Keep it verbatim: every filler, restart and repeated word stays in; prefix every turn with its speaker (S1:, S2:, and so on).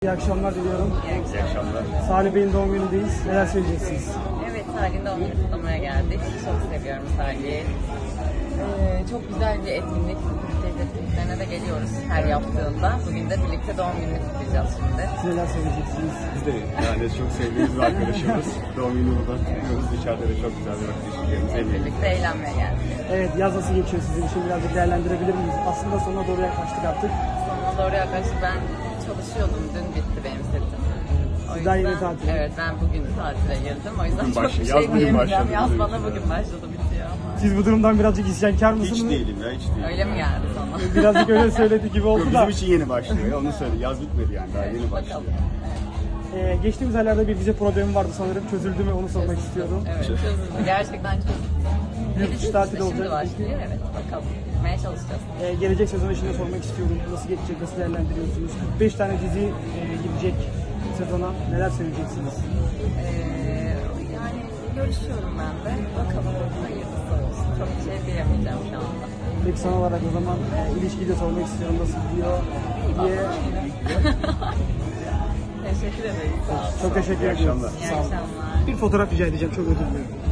S1: İyi akşamlar diliyorum.
S2: İyi akşamlar.
S1: Salih Bey'in doğum günündeyiz. Neler söyleyeceksiniz?
S3: Evet, Salih'in doğum günü kutlamaya geldik. Çok seviyorum Salih'i. Ee, çok güzel bir etkinlik. Birlikte etkinliklerine de geliyoruz her yaptığında. Bugün de birlikte doğum gününü kutlayacağız şimdi.
S1: Siz neler söyleyeceksiniz?
S2: Biz de yani çok sevdiğimiz bir arkadaşımız. Doğum günü burada kutluyoruz. Dışarıda da çok güzel bir vakit geçireceğimiz
S3: Hep
S2: eminim.
S3: birlikte eğlenmeye geldik.
S1: Evet, yaz nasıl geçiyor sizin için? Birazcık değerlendirebilir miyiz? Aslında sonuna doğru yaklaştık artık.
S3: Sonuna doğru yaklaşık ben çalışıyordum. Dün bitti benim setim. O
S1: Siz daha yeni tatil.
S3: Evet, ben bugün tatile girdim. O yüzden
S2: Bugün
S3: çok
S2: başladı,
S3: bir
S2: yaz
S3: şey
S2: bugün
S3: diyemeyeceğim.
S2: başladı
S3: Yaz
S2: bizim
S3: bana
S2: için.
S3: bugün başladı, bitiyor ama.
S1: Siz bu durumdan birazcık isyankar mısınız?
S2: Hiç değilim ya, hiç değilim.
S3: Öyle mi geldi sana?
S1: Birazcık öyle söyledi gibi oldu da.
S2: Bizim için yeni başlıyor ya, onu söyle. Yaz bitmedi yani, daha yeni başlıyor.
S3: Bakalım.
S1: Ee, geçtiğimiz aylarda bir vize problemi vardı sanırım. Çözüldü mü onu sormak istiyorum.
S3: Evet, çözüldü. Gerçekten çözüldü.
S1: Yurt dışı tatili olacak.
S3: Şimdi başlıyor, evet. Bakalım. Gitmeye çalışacağız.
S1: Ee, gelecek sezon için de sormak istiyorum. Nasıl geçecek, nasıl değerlendiriyorsunuz? kırk beş tane dizi e, girecek sezona. Neler söyleyeceksiniz?
S3: Ee, yani görüşüyorum ben de. Bakalım hayırlısı olsun. Çok bir şey diyemeyeceğim şu anda.
S1: Peki son olarak o zaman e, ilişkiyi de sormak istiyorum. Nasıl gidiyor diye.
S3: Teşekkür ederim. Sağ olun.
S1: Çok teşekkür
S2: İyi
S1: ediyorum.
S2: akşamlar.
S3: İyi
S1: Sağ olun.
S3: akşamlar.
S1: Bir fotoğraf rica edeceğim. Çok özür dilerim.